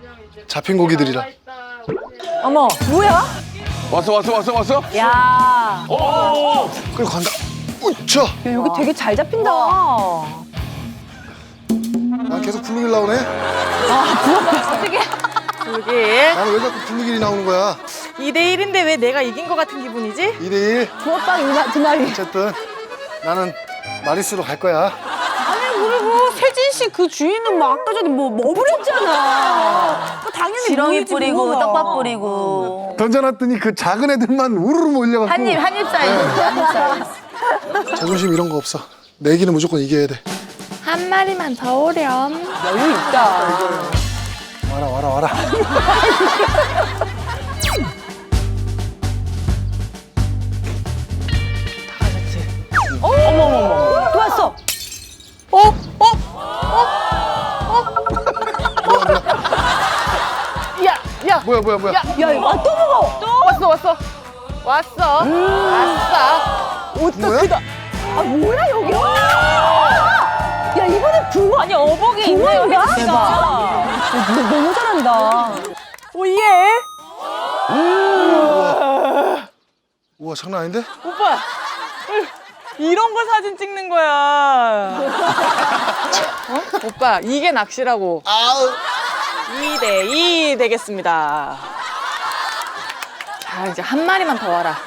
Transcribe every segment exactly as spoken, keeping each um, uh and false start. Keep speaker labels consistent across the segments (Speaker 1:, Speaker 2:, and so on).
Speaker 1: 잡힌 고기들이라.
Speaker 2: 어머, 뭐야?
Speaker 3: 왔어 왔어 왔어 왔어?
Speaker 2: 야,
Speaker 3: 오!
Speaker 1: 그리고 간다. 우차.
Speaker 2: 야, 여기 되게 잘 잡힌다.
Speaker 1: 난 계속 분무기 나오네.
Speaker 2: 어떻게?
Speaker 4: 그러게.
Speaker 1: 나는 왜 자꾸 분무기이 나오는 거야?
Speaker 4: 이 대 일인데 왜 내가 이긴 것 같은 기분이지?
Speaker 1: 이 대 일.
Speaker 2: 부업빵 이마, 두 마리.
Speaker 1: 어쨌든 나는 마리수로 갈 거야.
Speaker 2: 그리고 세진 씨 그 주인은 뭐 아까 전에 뭐, 뭐 부렸잖아. 뭐 당연히
Speaker 5: 지렁이
Speaker 2: 무이지,
Speaker 5: 뿌리고
Speaker 2: 뭐가.
Speaker 5: 떡밥 뿌리고
Speaker 1: 던져놨더니 그 작은 애들만 우르르 몰려갖고.
Speaker 5: 한입 한입 사이즈 한입 사이즈.
Speaker 1: 자존심 이런 거 없어. 내기는 무조건 이겨야 돼.
Speaker 4: 한 마리만 더 오렴.
Speaker 2: 여유 있다.
Speaker 1: 와라 와라 와라.
Speaker 2: 어머머머. 또 왔어.
Speaker 4: 어? 어? 야, 야,
Speaker 1: 뭐야 뭐야 뭐야.
Speaker 2: 야, 이거 또 먹어. 또.
Speaker 4: 왔어, 왔어. 왔어. 왔어.
Speaker 2: 옷도
Speaker 1: 뭐야?
Speaker 2: 크다. 아, 뭐야, 여기? 야, 이번에 붕어. 아니, 어복이 있네요, 대박. 너, 너무 잘한다.
Speaker 4: 오예.
Speaker 1: 우와 장난 아닌데?
Speaker 4: 오빠. 이런 걸 사진 찍는 거야. 어? 오빠, 이게 낚시라고.
Speaker 1: 아우.
Speaker 4: 이 대 이 되겠습니다. 자, 이제 한 마리만 더 와라.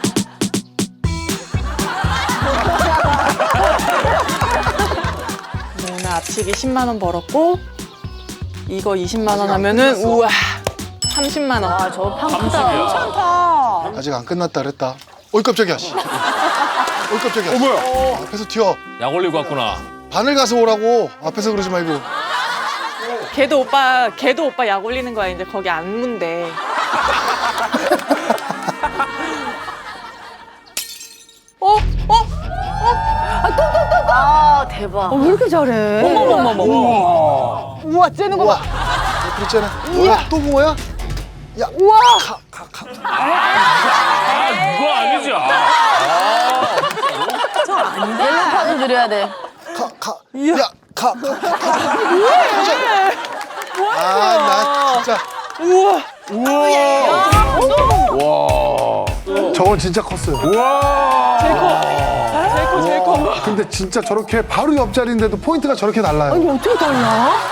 Speaker 4: 네, 오늘 앞치기 십만 원 벌었고, 이거 이십만 원 하면은, 우와, 삼십만 원.
Speaker 2: 아, 저 팡크다. 괜찮다.
Speaker 1: 아직 안 끝났다 그랬다. 어이 깜짝이야. 씨. 어이 깜짝이야.
Speaker 3: 어 뭐야?
Speaker 1: 앞에서 튀어.
Speaker 6: 약 올리고 왔구나.
Speaker 1: 바늘 가서 오라고. 앞에서 그러지 말고.
Speaker 4: 걔도 오빠, 걔도 오빠 약 올리는 거야. 이제 거기 안 문대. 어? 어?
Speaker 5: 아 대박.
Speaker 2: 어, 왜 이렇게 잘해?
Speaker 4: 어머머머머. 우와. 우와, 째는 거
Speaker 1: 우와.
Speaker 4: 봐.
Speaker 1: 몇 그랬잖아. 뭐야? 또 붕어야? 야.
Speaker 4: 우와.
Speaker 1: 가, 가, 가.
Speaker 6: 아, 이거 아니지. 아.
Speaker 5: 옐로파도 드려야 돼.
Speaker 1: 가, 가. 야, 가, 가, 가. 가. 아, 나 진짜.
Speaker 4: 우와.
Speaker 3: 와.
Speaker 1: 저건 진짜 컸어요.
Speaker 3: 와.
Speaker 4: 제일 커. 제일 커, 제일 커.
Speaker 1: 근데 진짜 저렇게 바로 옆자리인데도 포인트가 저렇게 달라요.
Speaker 2: 아니, 어떻게 달라?